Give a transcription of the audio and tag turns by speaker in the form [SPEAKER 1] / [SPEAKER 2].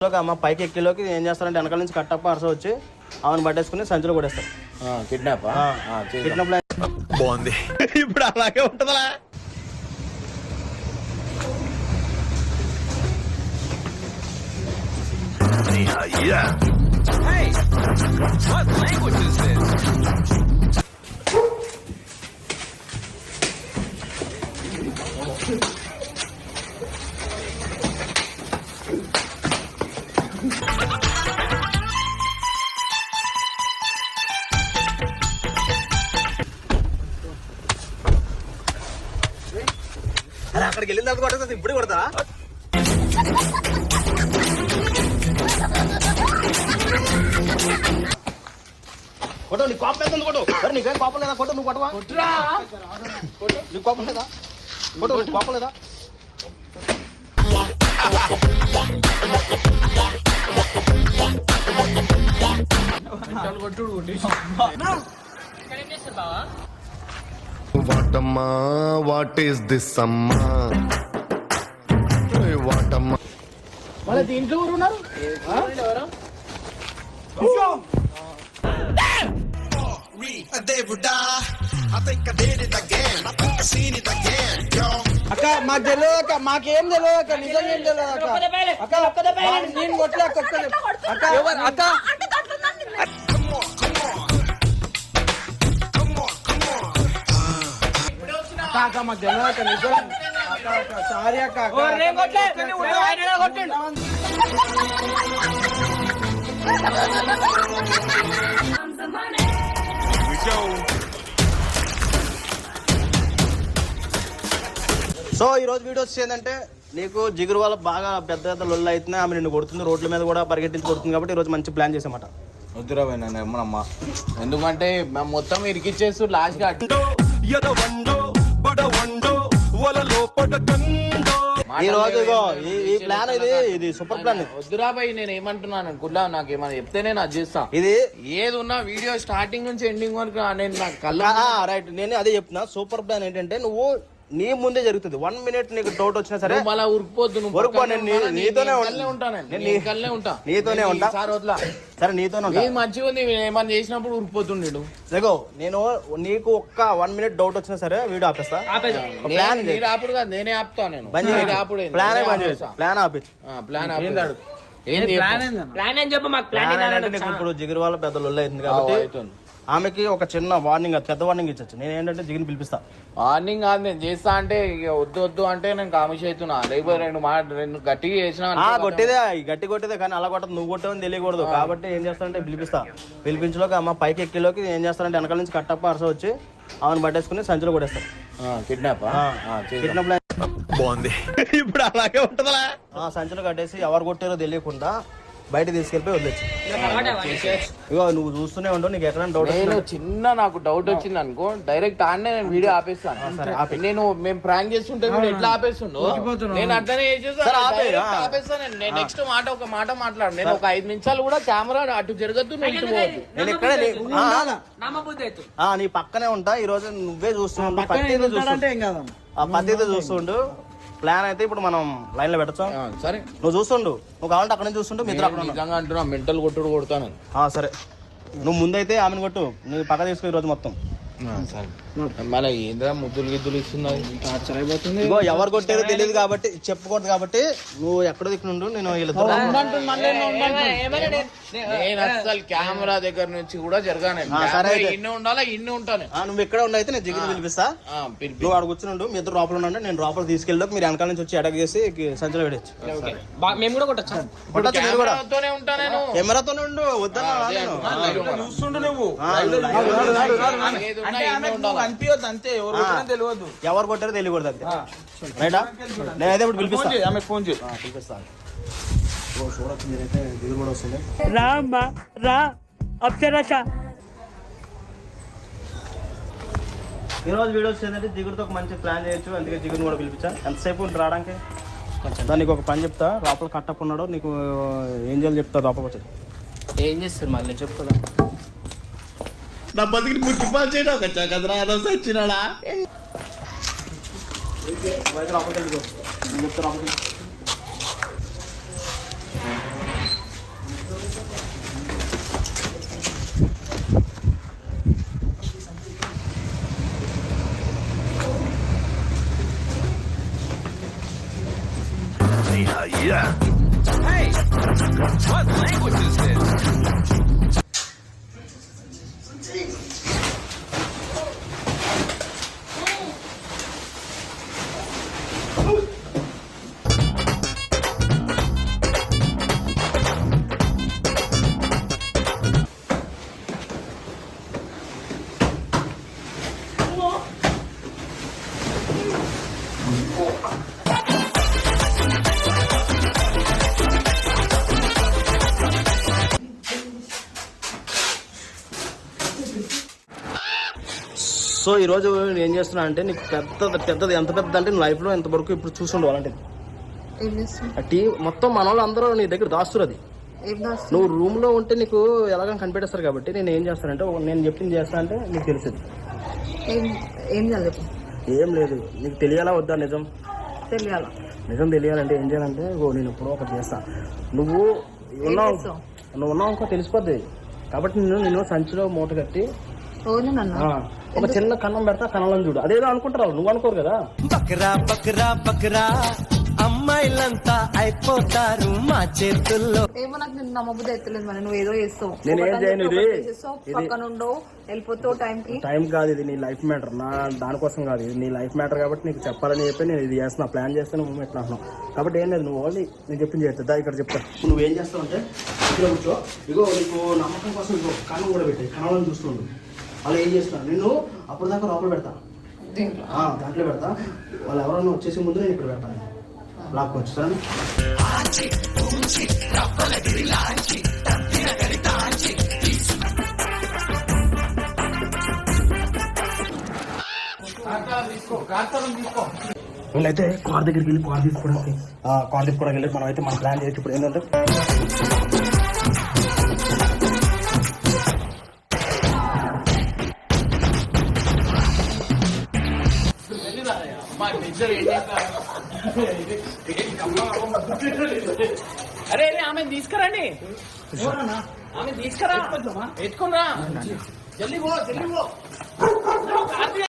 [SPEAKER 1] అమ్మ పైకి ఎక్కిలోకి ఏం చేస్తారంటే వెనకాల నుంచి కట్టప్ప అరస వచ్చి ఆమెను పట్టేసుకుని సంచులో కొడేస్తారు.
[SPEAKER 2] కిడ్నాప్
[SPEAKER 1] బాగుంది. ఇప్పుడు అలాగే ఉంటుందా? అరే అక్కడికి వెళ్ళిన తర్వాత కొట్టేది ఇప్పుడు కొడతా. కొట్టు, నీ కోపం ఎంత కొట్టు. అరే నీకేం కోపం లేదా? కొట్టు, నువ్వు కొట్టవా? నీకు కోపం లేదా? కొట్టు, నీకు కోపం లేదా?
[SPEAKER 3] వాటమ్మా వాట్ ఈస్ దిస్ అమ్మా? వాటమ్మా
[SPEAKER 2] మళ్ళీ దీంట్లో ఎవరు ఉన్నారు?
[SPEAKER 1] అక్క మాకు తెలియదు అక్క, మాకేం తెలియదు అక్క, నిజం ఏం తెలియదు అక్క. అక్క నేను కొట్టలే అక్క. అక్క అక్క మాకు తెలియదు అక్క, నిజం. సారీ అక్క. సో ఈ రోజు వీడియో వచ్చి ఏంటంటే, నీకు జిగురు వల్ల బాగా పెద్ద పెద్ద లొల్లు అవుతున్నాయి, ఆమె నిన్ను కొడుతుంది, రోడ్ల మీద కూడా పరిగెట్టించి కొడుతుంది. కాబట్టి ఈ రోజు మంచి ప్లాన్ చేసామట.
[SPEAKER 2] వద్దురా పోయినా ఏమనమ్మా, ఎందుకంటే మేము మొత్తం ఇరికిచ్చేస్తూ లాస్ట్ గా
[SPEAKER 1] ఈ రోజు ఈ ప్లాన్ ఇది సూపర్ ప్లాన్.
[SPEAKER 2] వద్దురా పోయి నేను ఏమంటున్నాను కుల్లా, నాకు ఏమైనా చెప్తేనే నాకు చేస్తా.
[SPEAKER 1] ఇది
[SPEAKER 2] ఏది ఉన్నా వీడియో స్టార్టింగ్ నుంచి ఎండింగ్ వరకు నేను నాకు కళ్ళ
[SPEAKER 1] రైట్. నేను అదే చెప్తున్నా, సూపర్ ప్లాన్ ఏంటంటే, నువ్వు నీ ముందే జరుగుతుంది. 1 minute నీకు డౌట్ వచ్చినా సరే
[SPEAKER 2] మళ్ళీ ఉరికిపోద్దు.
[SPEAKER 1] నీతోనే
[SPEAKER 2] ఉంటా.
[SPEAKER 1] సరే నీతోనే ఉంటా.
[SPEAKER 2] మంచిగా ఉంది, ఏమన్నా చేసినప్పుడు ఉరికిపోతుండేడు.
[SPEAKER 1] సగో నేను నీకు ఒక్క 1 minute డౌట్ వచ్చినా సరే వీడియో ఆపేస్తా. ప్లాన్
[SPEAKER 2] ఆపుడు కాదు, నేనే ఆపుతా. నేను
[SPEAKER 1] ప్లాన్ ఆపి ఇప్పుడు జిగురు వాళ్ళ పెద్ద లొల్లి అవుతుంది కాబట్టి ఆమెకి ఒక చిన్న వార్నింగ్, పెద్ద వార్నింగ్ ఇచ్చచ్చు. నేను ఏంటంటే జిగిని పిలిపిస్తా.
[SPEAKER 2] వార్నింగ్ కాదు, నేను చేస్తా అంటే వద్దు అంటే నేను కామిష్ అవుతున్నా. లేకపోతే రెండు గట్టిగా చేసిన
[SPEAKER 1] గట్టి కొట్టేదే కానీ అలా కొట్టదు, నువ్వు కొట్టేవని తెలియకూడదు. కాబట్టి ఏం చేస్తానంటే పిలిపించలోకి అమ్మ పైకి ఎక్కిలోకి ఏం చేస్తానంటే వెనకాల నుంచి కట్టప్ప అరస వచ్చి ఆమెను పట్టేసుకుని సంచులో కొడేస్తారు.
[SPEAKER 2] కిడ్నాప్
[SPEAKER 1] బాగుంది. ఇప్పుడు అలాగే ఉంటుందా? సంచులు కట్టేసి ఎవరు కొట్టారో తెలియకుండా బయట తీసుకెళ్ళిపోయి వదిలేచ్చు. ఇగో నువ్వు చూస్తూనే ఉండవు, నీకు ఎక్కడ డౌట్
[SPEAKER 2] చిన్న నాకు డౌట్ వచ్చింది అనుకో, డైరెక్ట్ ఆడనే నేను వీడియో ఆపేస్తాను. నేను మేము ప్రాంక్ చేస్తుంటే ఎట్లా ఆపేస్తుండో నేను అట్లనే ఆపేస్తాను. నేను నెక్స్ట్ ఒక మాట మాట్లాడు. నేను ఒక 5 నిమిషాలు కూడా కెమెరా అటు జరగద్దు, నేను ఇటు పోవద్దు.
[SPEAKER 1] నేను ఇక్కడ నీ పక్కనే ఉంటా. ఈ రోజు నువ్వే చూస్తున్నావు, పద్ధతి చూస్తుండు. ప్లాన్ అయితే ఇప్పుడు మనం లైన్ లో పెట్టచ్చు.
[SPEAKER 2] సరే
[SPEAKER 1] నువ్వు చూస్తుండు, నువ్వు కావాలంటే అక్కడ నుంచి చూస్తుండు.
[SPEAKER 2] నిజంగా అంటున్నా, మెంటల్ కొట్టుడు కొడతాను.
[SPEAKER 1] సరే నువ్వు ముందైతే ఆమెను కొట్టు, నువ్వు పక్క తీసుకో ఈ రోజు మొత్తం.
[SPEAKER 2] మళ్ళీ ఏంద్రా ముద్దులు గిద్దులు ఇస్తున్నాయి,
[SPEAKER 1] అయిపోతుంది. ఎవరు కొట్టారో తెలియదు కాబట్టి చెప్పకూడదు. కాబట్టి నువ్వు ఎక్కడో దిక్కుండు, నేను
[SPEAKER 2] అసలు కెమెరా దగ్గర నుంచి కూడా జరగాను. ఉండాలా ఇన్ని ఉంటాను.
[SPEAKER 1] నువ్వు ఎక్కడ ఉండైతే నేను జిగిరి పిలిపిస్తా. నువ్వు అక్కడ కూర్చుండు, మీ ఇద్దరు లోపల ఉండండి. నేను లోపల తీసుకెళ్ళి మీరు వెనకాల నుంచి వచ్చి అటాక్ చేసి సంచులో పెట్టచ్చు.
[SPEAKER 4] మేము కూడా కొట్టచ్చు.
[SPEAKER 1] కెమెరాతోనే ఉండు, వద్దా
[SPEAKER 4] చూస్తుండు నువ్వు.
[SPEAKER 1] ఎవరు కొట్టారో తెలియకూడదు అంతే. రైటా? నేనైతే ఇప్పుడు పిలిపిస్తాను.
[SPEAKER 4] ఫోన్ చేయి,
[SPEAKER 1] పిలిపిస్తాను. చూడొచ్చు మీరైతే దిగులు కూడా వస్తుంది. ఈరోజు వీడియో వచ్చేదంటే జిగురుతో ఒక మంచి ప్లాన్ చేయొచ్చు. అందుకే జిగురుని కూడా పిలిపించా. ఎంతసేపు ఉంటుంది రావడానికి? దానికి ఒక పని చెప్తా. లోపల కట్టకున్నాడు, నీకు ఏం చేయాలి చెప్తా. లోపలికి వచ్చి
[SPEAKER 4] ఏం చేస్తారు మళ్ళీ చెప్తా.
[SPEAKER 1] నా బతికి ముట్టిపాలు చేయడం వచ్చా కదరా, అదొక వచ్చినాడా? చెప్తా. సో ఈరోజు నేను ఏం చేస్తున్నా అంటే నీకు పెద్దది ఎంత పెద్దది అంటే నువ్వు లైఫ్లో ఎంతవరకు ఇప్పుడు చూసుండవు అలాంటిది.
[SPEAKER 5] ఏం చేస్తావు?
[SPEAKER 1] ఆ టీ మొత్తం మన వాళ్ళు అందరూ నీ దగ్గర దాస్తురు అది.
[SPEAKER 5] ఏం దాస్తావు?
[SPEAKER 1] నువ్వు రూమ్లో ఉంటే నీకు ఎలాగని కనిపెట్టేస్తారు కాబట్టి నేను ఏం చేస్తానంటే నేను చెప్పింది చేస్తా అంటే నీకు తెలిసింది.
[SPEAKER 5] ఏం చదువు?
[SPEAKER 1] ఏం లేదు, నీకు తెలియాలా వద్దా నిజం?
[SPEAKER 5] తెలియాల.
[SPEAKER 1] నిజం తెలియాలంటే ఏం చేయాలంటే నేను ఎప్పుడో ఒకటి చేస్తా. నువ్వు ఉన్నావు అనుకో తెలిసిపోద్ది. కాబట్టి నేను సంచిలో మూట కట్టి ఒక చిన్న కన్నం పెడతా, కన్నంలో చూడు. అదేదో అనుకుంటారు, నువ్వు అనుకోరు కదా.
[SPEAKER 6] బక్రా బక్రా బక్రా అమ్మాయిలంతా అయిపోతారు మా చేతుల్లో.
[SPEAKER 5] ఏమో నాకు నిన్ను నమ్మబుద్ధి ఎత్తలేదు. మరి నువ్వు ఏదో చేస్తావు,
[SPEAKER 1] నేను ఏం చేయను. ఇది
[SPEAKER 5] పక్కన ఉండవు, వెళ్ళిపోతావు.
[SPEAKER 1] టైం కాదు, ఇది నీ లైఫ్ మ్యాటర్. నా దానికోసం కాదు, ఇది నీ లైఫ్ మ్యాటర్ కాబట్టి నీకు చెప్పాలని చెప్పి నేను ఇది చేస్తున్నా. ప్లాన్ చేస్తే నువ్వు పెట్టినాను కాబట్టి ఏం లేదు, నువ్వు ఓన్లీ నేను చెప్పింది చేస్తా. ఇక్కడ చెప్తా. నువ్వేం చేస్తావు అంటే ఇక్కడ కూర్చో. ఇగో నీకు నమ్మకం కోసం ఇగో కన్నం కూడా పెట్టాయి, కన్నంలో చూస్తుండు. వాళ్ళు ఏం చేస్తున్నారు, నిన్ను అప్పుడు దాకా లోపల పెడతా, దాంట్లో పెడతా. వాళ్ళు ఎవరైనా వచ్చేసి ముందు నేను ఇక్కడ పెడతాను. లాక్ వచ్చేసాను. వీళ్ళైతే కార్ దగ్గరికి వెళ్ళి కార్ తీసుకోవడానికి వెళ్ళి మనం అయితే మన ప్లాన్ చేయొచ్చు. ఇప్పుడు ఏంటంటే
[SPEAKER 2] అరే ఆమె తీసుకురండి, ఆమె తీసుకురా, ఎత్తుకుని రా, జల్దీ పో.